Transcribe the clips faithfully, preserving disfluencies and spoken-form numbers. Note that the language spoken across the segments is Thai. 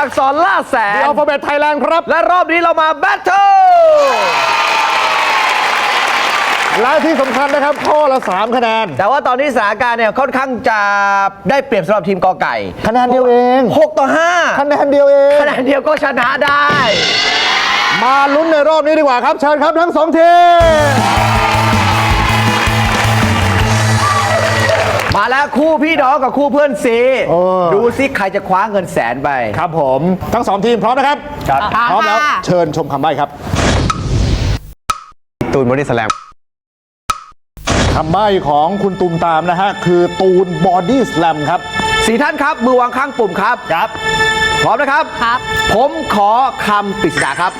อักษรล่าแสนอัลฟาเบตไทยแลนด์ครับและรอบนี้เรามาแบทเทิลและที่สำคัญนะครับข้อละสามคะแนนแต่ว่าตอนนี้สถานการณ์เนี่ยค่อนข้างจะได้เปรียบสำหรับทีมกอไก่คะแนนเดียวเองหกต่อห้าคะแนนเดียวเองคะแนนเดียวก็ชนะได้มาลุ้นในรอบนี้ดีกว่าครับเชิญครับทั้งสองทีมมาแล้วคู่พี่น้องกับคู่เพื่อนซีดูซิใครจะคว้าเงินแสนไปครับผมทั้งสองทีมพร้อมนะครับพร้อมแล้วเชิญชมคำใบ้ครับตูนบอดี้สแลมคำใบ้ของคุณตูมตามนะฮะคือตูนบอดี้สแลมครับสี่ท่านครับมือวางข้างปุ่มครับครับพร้อมนะครับครับผมขอคำปริศนาครับ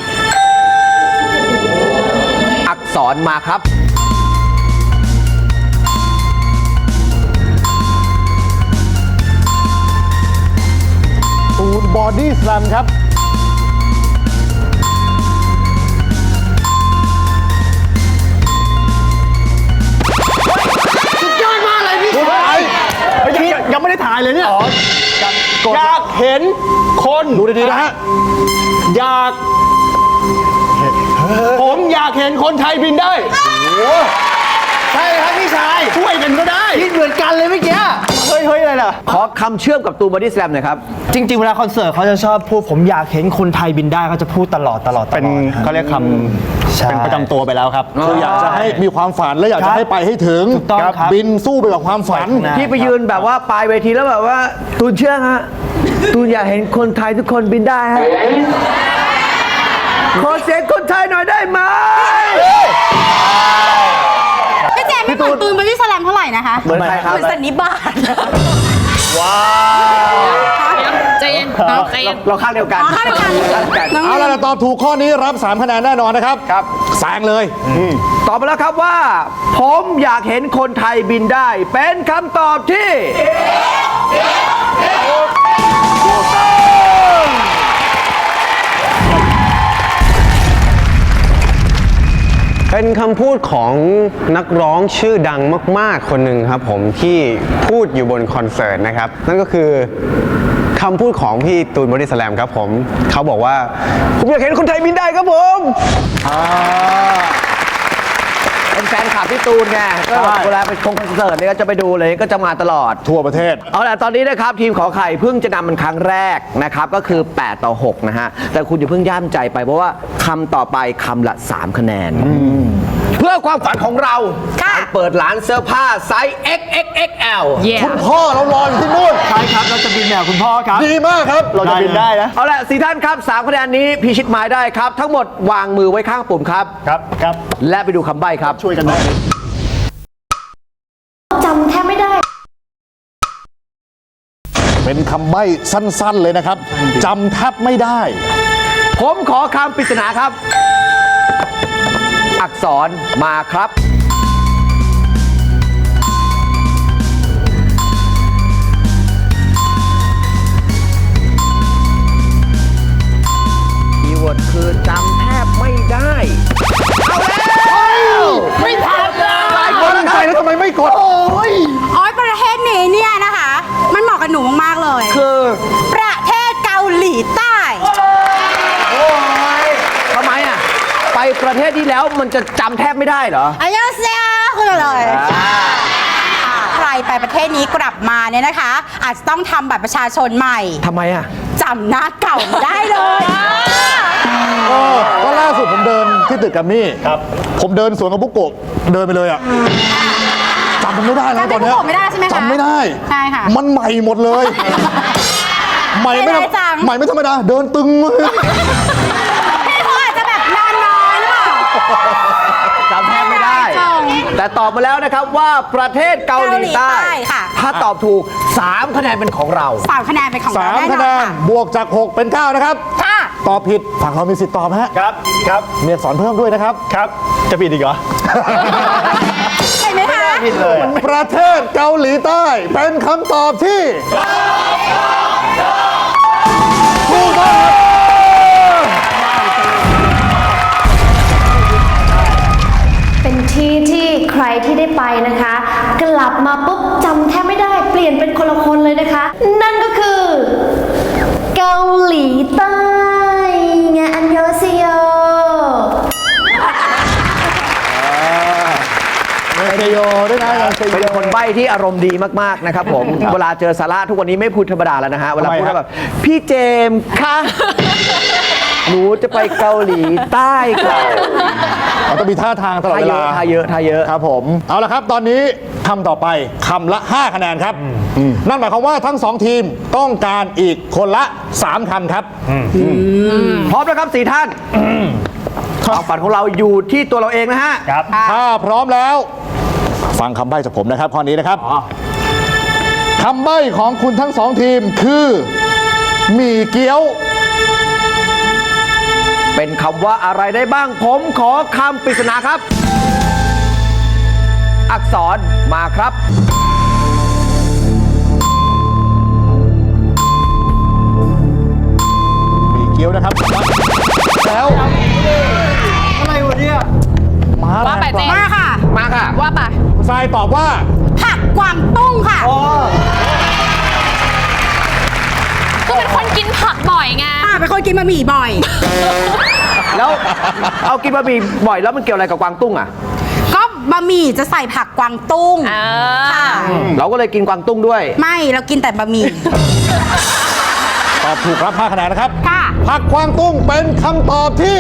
อักษรมาครับตูนบอดี้สแลมครับสุดยอดมากเลยพี่ชายยังไม่ได้ถ่ายเลยเนี่ยอยากเห็นคนดูดีๆนะฮะอยากผมอยากเห็นคนไทยบินได้ใช่ครับพี่ชายช่วยกันก็ได้คิดเหมือนกันเลยเมื่อกี้เฮ้ยเฮ้ยอะไรล่ะขอคำเชื่อมกับตูนบอดี้สแลมหน่อยครับจริงๆเวลาคอนเสิร์ตเขาจะชอบพูดผมอยากเห็นคนไทยบินได้เขาจะพูดตลอดตลอดเป็นเขาเรียกคำเป็นประจำตัวไปแล้วครับคืออยากจะให้มีความฝันและอยากจะให้ไปให้ถึงบินสู้ไปกับความฝันที่ไปยืนแบบว่าปลายเวทีแล้วแบบว่าตูนเชื่อฮะตูนอยากเห็นคนไทยทุกคนบินได้ฮะขอเสียงคนไทยหน่อยได้ไหมพี่เจมไม่เหมือนตูนบอดี้สแลมเท่าไหร่นะคะเหมือนใครครับเหมือนสันนิบาตว้าวใจเย็นใจเย็นเราข้างเดียวกันข้างเดียวกันเอาล่ะตอบถูกข้อนี้รับสามคะแนนแน่นอนนะครับครับแซงเลยตอบมาแล้วครับว่าผมอยากเห็นคนไทยบินได้เป็นคำตอบที่เป็นคำพูดของนักร้องชื่อดังมากๆคนหนึ่งครับผมที่พูดอยู่บนคอนเสิร์ตนะครับนั่นก็คือคำพูดของพี่ตูนบอดี้สแลมครับผมเขาบอกว่าผมอยากเห็นคนไทยบินได้ครับผมเป็นแฟนคลับพี่ตูนไงก็เวลาไปชมคอนเสิร์ตเนี่ยก็จะไปดูเลยก็จะมาตลอดทั่วประเทศเอาล่ะตอนนี้นะครับทีมขอไข่เพิ่งจะนำมันครั้งแรกนะครับก็คือแปดต่อหกนะฮะแต่คุณอย่าเพิ่งย่ามใจไปเพราะว่าคำต่อไปคำละสามคะแนนเพื่อความฝันของเราการเปิดร้านเสื้อผ้าไซส์ เอ็กซ์ เอ็กซ์ เอ็กซ์ แอลคุณพ่อเรารออยู่ที่นู่นใช่ครับเราจะบินแบบคุณพ่อครับดีมากครับเราจะบินได้นะเอาละสี่ท่านครับสามคะแนนนี้พิชิตหมายได้ครับทั้งหมดวางมือไว้ข้างปุ่มครับครับครับและไปดูคำใบ้ครับช่วยกันได้จำแทบไม่ได้เป็นคำใบ้สั้นๆเลยนะครับจำแทบไม่ได้ผมขอคำปริศนาครับอักษรมาครับคีย์เวิร์ดคือจำแทบไม่ได้เอาแล้วไม่ทันเลยหลายคนใครแล้วทำไมไม่กดโอ้ยอ๋อประเทศนี้เนี่ยนะคะมันเหมาะกับหนูมากๆเลยคือประเทศเกาหลีใต้โอ้ยทำไมอ่ะไปประเทศที่แล้วมันจะจำแทบไม่ได้เหรออายาเซียคืออะไรใครไปประเทศนี้กลับมาเนี่ยนะคะอาจจะต้องทำบัตรประชาชนใหม่ทำไมอ่ะจำหน้าเก่าไม่ได้เลยก็ล่าสุดผมเดินที่ตึกกัมมี่ครับผมเดินสวนกับบุกโกะเดินไปเลยอ่ะจำมันไม่ได้แล้วตอนนี้จำไม่ได้ใช่ไหมคะจำไม่ได้ใช่ค่ะมันใหม่หมดเลยใหม่ไม่ใหม่ไม่ธรรมดาเดินตึงเลยพี่เขาอาจจะแบบนอนน้อยหรือเปล่าจำแทบไม่ได้แต่ตอบมาแล้วนะครับว่าประเทศเกาหลีใต้ถ้าตอบถูกสามคะแนนเป็นของเราสามคะแนนเป็นของเราแน่นอนสามคะแนนบวกจากหกเป็นเก้านะครับค่ะตอบผิดฝั่งเรามีสิทธิ์ตอบฮะครับครับมีอักษรเพิ่มด้วยนะครับครับจะผิดอีกเหรอใช่ไหมคะไม่ผิดเลยประเทศเกาหลีใต้เป็นคำตอบที่ถูกต้องเป็นที่ที่ใครที่ได้ไปนะคะกลับมาปุ๊บจำแทบไม่ได้เปลี่ยนเป็นคนละคนเลยนะคะนั่นก็คือเกาหลีโยด้วยนะอาจารย์ชัยโยเป็นคนใบ้ที่อารมณ์ดีมากๆนะครับผม เวลาเจอสาระทุกวันนี้ไม่พูดธรรมดาแล้วนะฮะ เวลาพูดทำไมฮะแบบพี่เจมส์คะหนูจะไปเกาหลีใต้ค่ะเราต้องมีท่าทางตลอดท่าเวเยลาอะท่าเยอะท่าเยอะครับผม เอาละครับ ตอนนี้คำต่อไปคำละ ห้า คะแนนครับ นั่นหมายความว่าทั้งสองทีมต้องการอีกคนละ สาม คำครับพร้อมแล้วครับสี่ท่านความฝันของเราอยู่ที่ตัวเราเองนะฮะครับถ้าพร้อมแล้ว ฟังคำใบ้จากผมนะครับข้อนี้นะครับคำใบ้ของคุณทั้งสองทีมคือหมี่เกี๊ยวเป็นคำว่าอะไรได้บ้าง ผมขอคำปริศนาครับ อักษรมาครับหมี่เกี๊ยวนะครับ แล้วอะไรวะเนี่ยมาว่าไปเจ๊มาค่ะมาค่ะว่าไปทรายตอบว่าผักกวางตุ้งค่ะคือเป็นคนกินผักบ่อยไงอ่าเป็นคนกินบะหมี่บ่อยแล้วเอากินบะหมี่บ่อยแล้วมันเกี่ยวอะไรกับกวางตุ้งอ่ะก็บะหมี่จะใส่ผักกวางตุ้งอ่าค่ะเราก็เลยกินกวางตุ้งด้วยไม่เรากินแต่บะหมี่ตอบถูกรับ ห้า คะแนนนะครับค่ะผักกวางตุ้งเป็นคำตอบที่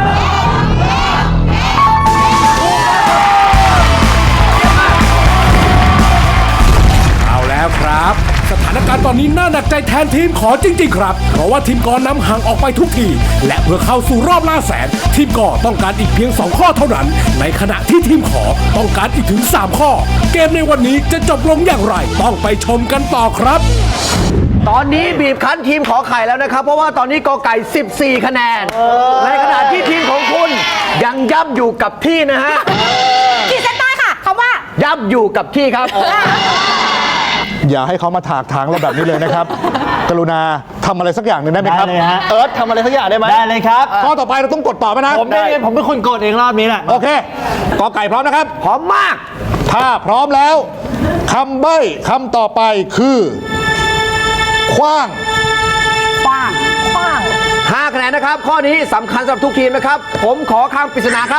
เอาแล้วครับ สถานการณ์ตอนนี้น่าหนักใจแทนทีมขอจริงๆครับ เพราะว่าทีมกอนำห่างออกไปทุกที และเพื่อเข้าสู่รอบล่าแสน ทีมกอต้องการอีกเพียงสองข้อเท่านั้น ในขณะที่ทีมขอต้องการอีกถึงสามข้อ เกมในวันนี้จะจบลงอย่างไรต้องไปชมกันต่อครับตอนนี้บีบคั้นทีมขอไข่แล้วนะครับ เพราะว่าตอนนี้กอไก่ สิบสี่ คะแนน ในขณะที่ทีมของคุณยังย่ำอยู่กับที่นะฮะขีดเส้นใต้ค่ะคำว่าย่ำอยู่กับที่ครับอย่าให้เขามาถากถางเราแบบนี้เลยนะครับ กรุณาทำอะไรสักอย่างหนึ่งได้ไหมครับได้เลยฮะเอิร์ธทำอะไรสักอย่างได้ไหมได้เลยครับข้อต่อไปเราต้องกดต่อไหมนะผมได้ผมเป็นคนกดเองรอบนี้แหละโอเคกอไก่พร้อมนะครับพร้อมมากถ้าพร้อมแล้วคำใบ้คำต่อไปคือขว้างกว้างกว้างห้า คะแนนนะครับ ข้อนี้สำคัญสำหรับทุกทีมนะครับ ผมขอคำปริศนาครับ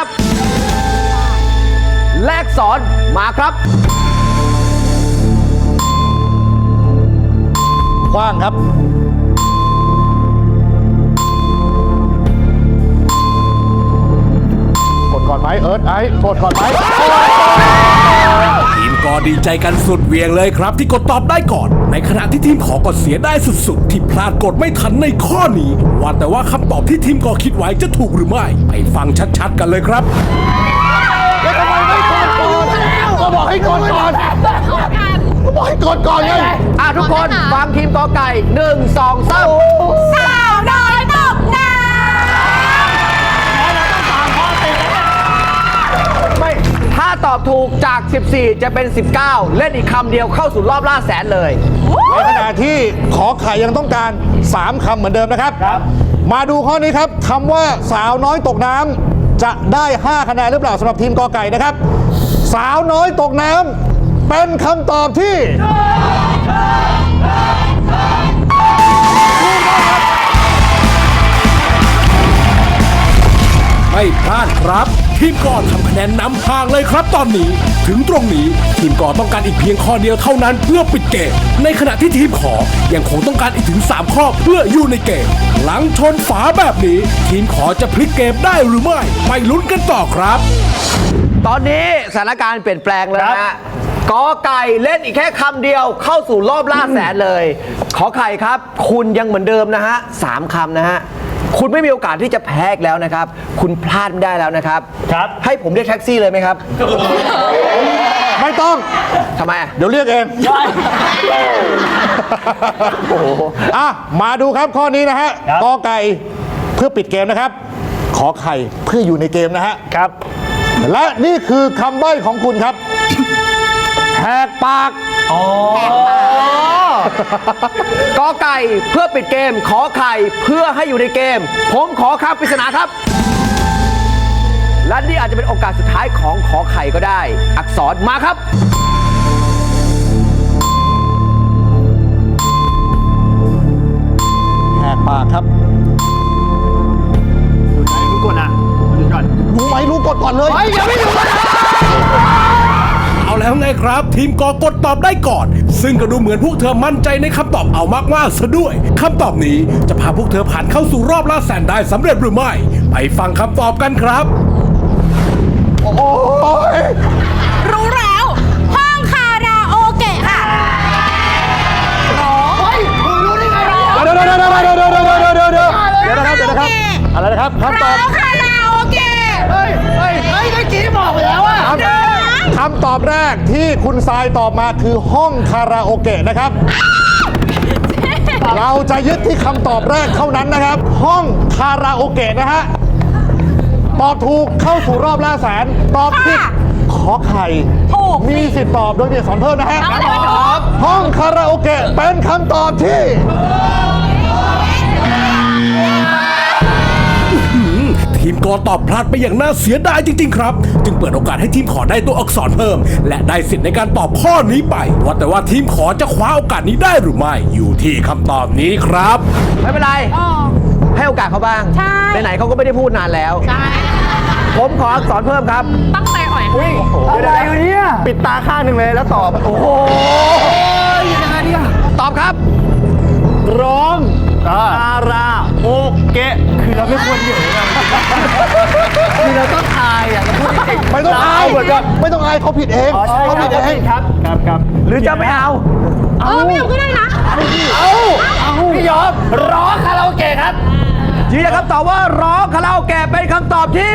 แลกสอนมาครับขว้างครับ กดก่อนไหมเอิร์ธไอ้กดก่อนไหมทีมกอดีใจกันสุดเหวียงเลยครับ ที่กดตอบได้ก่อน ในขณะที่ทีมขอกดเสียได้สุดๆ ที่พลาดกดไม่ทันในข้อนี้ ว่าแต่ว่าคำตอบที่ทีมกอคิดไว้จะถูกหรือไม่ ไปฟังชัดๆกันเลยครับแล้วทำไมไม่กดก่อนก็บอกให้กดก่อนก็บอกให้กดก่อนไงอ่ะทุกคนฟังทีมกอไก่หนึ่งสองสามสาวน้อยตกน้ไม่ ถ้าตอบถูกจาก สิบสี่ จะเป็น สิบเก้า เล่นอีกคำเดียวเข้าสู่รอบล่าแสนเลยในขณะที่ขอไข่ยังต้องการ สาม คำเหมือนเดิมนะครับ มาดูข้อนี้ครับคำว่าสาวน้อยตกน้ำจะได้ ห้า คะแนนหรือเปล่าสำหรับทีมกอไก่นะครับ สาวน้อยตกน้ำเป็นคำตอบที่ไม่พลาดครับ ทีมกอทำคะแนนนำห่างเลยครับตอนนี้ ถึงตรงนี้ทีมกอต้องการอีกเพียงข้อเดียวเท่านั้นเพื่อปิดเกม ในขณะที่ทีมขอยังคงต้องการอีกถึงสามข้อเพื่ออยู่ในเกม หลังชนฝาแบบนี้ ทีมขอจะพลิกเกมได้หรือไม่ไปลุ้นกันต่อครับตอนนี้สถานการณ์เปลี่ยนแปลงแล้วนะฮะกอไก่เล่นอีกแค่คำเดียวเข้าสู่รอบล่าแสนเลย ขอไข่ครับ คุณยังเหมือนเดิมนะฮะสามคำนะฮะ คุณไม่มีโอกาสที่จะแพ้อีกแล้วนะครับ คุณพลาดไม่ได้แล้วนะครับครับให้ผมเรียกแท็กซี่เลยไหมครับไม่ต้องทำไมอ่ะเดี๋ยวเรียกเองอ่ะมาดูครับข้อนี้นะฮะครับกอไก่เพื่อปิดเกมนะครับ ขอไข่เพื่ออยู่ในเกมนะฮะครับและนี่คือคำใบ้ของคุณครับ แหกปากอ๋อกอไก่เพื่อปิดเกม ขอไข่เพื่อให้อยู่ในเกม ผมขอคำปริศนาครับ และนี่อาจจะเป็นโอกาสสุดท้ายของขอไข่ก็ได้ อักษรมาครับแหกปากครับคุณกดอ่ะดูก่อนรู้ไหมรู้กดก่อนเลยเอาไงครับ ทีมกอกดตอบได้ก่อน ซึ่งก็ดูเหมือนพวกเธอมั่นใจในคำตอบเอามากๆซะด้วยคำตอบนี้จะพาพวกเธอผ่านเข้าสู่รอบล่าแสนได้สำเร็จหรือไม่ไปฟังคำตอบกันครับรู้แล้ว ห้องคาราโอเกะค่ะร้องเดี๋ยวเดี๋ยวเดี๋ยวเดี๋ยวเดี๋ยวเดี๋ยวเดี๋ยวเดี๋ยวเดี๋ยวเดี๋ยวเดี๋ยวนะครับเดี๋ยวนะครับอะไรนะครับคำตอบร้องคาราโอเกะคำตอบแรกที่คุณทรายตอบมาคือห้องคาราโอเกะนะครับ เราจะยึดที่คำตอบแรกเท่านั้นนะครับ ห้องคาราโอเกะนะฮะตอบถูกเข้าสู่รอบล่าแสนตอบผิดขอไข่ถูกมีสิทธิ์ตอบโดยมีสอนเพิ่มนะฮะครับผมห้องคาราโอเกะเป็นคำตอบที่ทีมกอตอบพลาดไปอย่างน่าเสียดายจริงๆครับ จึงเปิดโอกาสให้ทีมขอได้ตัวอักษรเพิ่ม และได้สิทธิ์ในการตอบข้อนี้ไป ว่าแต่ว่าทีมขอจะคว้าโอกาสนี้ได้หรือไม่ อยู่ที่คำตอบนี้ครับไม่เป็นไร ให้โอกาสเขาบ้างใช่ไหนๆเขาก็ไม่ได้พูดนานแล้วใช่ผมขออักษรเพิ่มครับตั้งใจอ่อยให้อะไรเนี่ยปิดตาข้างหนึ่งเลยแล้วตอบ โอ้โหยังไงเนี่ยตอบครับร้องคาราโอเกะคือเราไม่ควรเหยอะนะคือเราต้องทายอ่ะเราพูดจริงๆไม่ต้องอายไม่ต้องอายเขาผิดเองอ๋อใช่เขาผิดเองครับครับครับหรือจะไม่เอาเออไม่เอาก็ได้นะพี่ยอมร้องคาราโอเกะครับยืนยันคำตอบว่าร้องคาราโอเกะเป็นคำตอบที่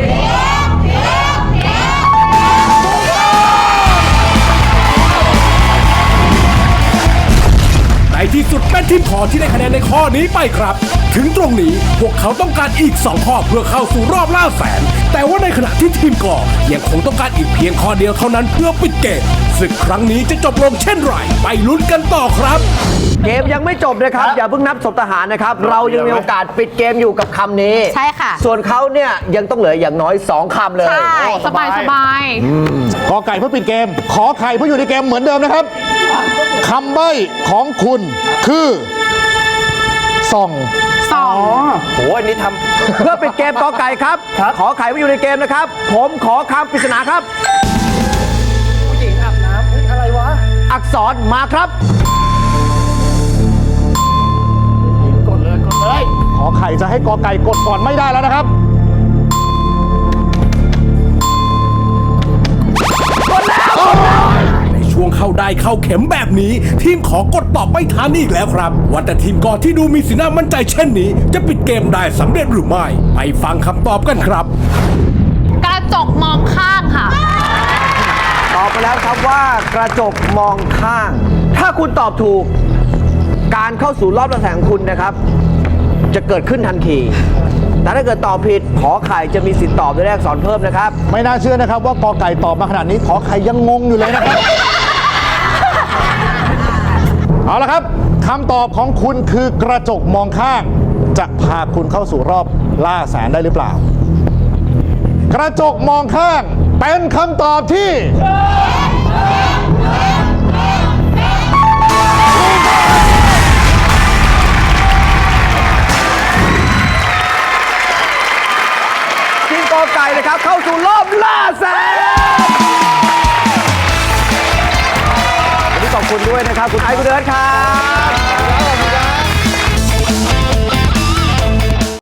ในที่สุดเป็นทีมขอที่ได้คะแนนในข้อนี้ไปครับ ถึงตรงนี้พวกเขาต้องการอีกสองข้อเพื่อเข้าสู่รอบล่าแสน แต่ว่าในขณะที่ทีมกอยังคงต้องการอีกเพียงข้อเดียวเท่านั้นเพื่อปิดเกมศึกครั้งนี้จะจบลงเช่นไรไปลุ้นกันต่อครับเกมยังไม่จบนะครับ อย่าเพิ่งนับศพทหารนะครับ เรายังมีโอกาสปิดเกมอยู่กับคำนี้ใช่ค่ะส่วนเขาเนี่ยยังต้องเหลืออย่างน้อยสองคำเลยใช่สบายสบายกอไก่เพื่อปิดเกม ขอไข่เพื่ออยู่ในเกมเหมือนเดิมนะครับคำใบ้ของคุณคือส่องสองโอ้อันนี้ทำ เพื่อปิดเกมกอไก่ครับ ขอไข่ไว้อยู่ในเกมนะครับ ผมขอคำปริศนาครับ ผู้หญิงอาบน้ำอะไรวะ อักษรมาครับขอไข่จะให้กอไก่กดก่อนไม่ได้แล้วนะครับในช่วงเข้าได้เข้าเข็มแบบนี้ ทีมขอกดตอบไม่ทันอีกแล้วครับ ว่าแต่ทีมกอที่ดูมีสีหน้ามั่นใจเช่นนี้ จะปิดเกมได้สำเร็จหรือไม่ ไปฟังคำตอบกันครับกระจกมองข้างค่ะตอบไปแล้วครับว่ากระจกมองข้าง ถ้าคุณตอบถูก การเข้าสู่รอบระแสงคุณนะครับ จะเกิดขึ้นทันที แต่ถ้าเกิดตอบผิด ขอไข่จะมีสิทธิ์ตอบด้วยแรกสอนเพิ่มนะครับไม่น่าเชื่อนะครับว่ากอไก่ตอบมาขนาดนี้ ขอไข่ยังงงอยู่เลยนะครับ เอาละครับคำตอบของคุณคือกระจกมองข้าง จะพาคุณเข้าสู่รอบล่าแสนได้หรือเปล่า กระจกมองข้างเป็นคำตอบที่ทีมกอไก่นะครับ เข้าสู่รอบล่าแสนวันนี้ขอบคุณด้วยนะครับ คุณไอซ์คุณเดิร์ดครับ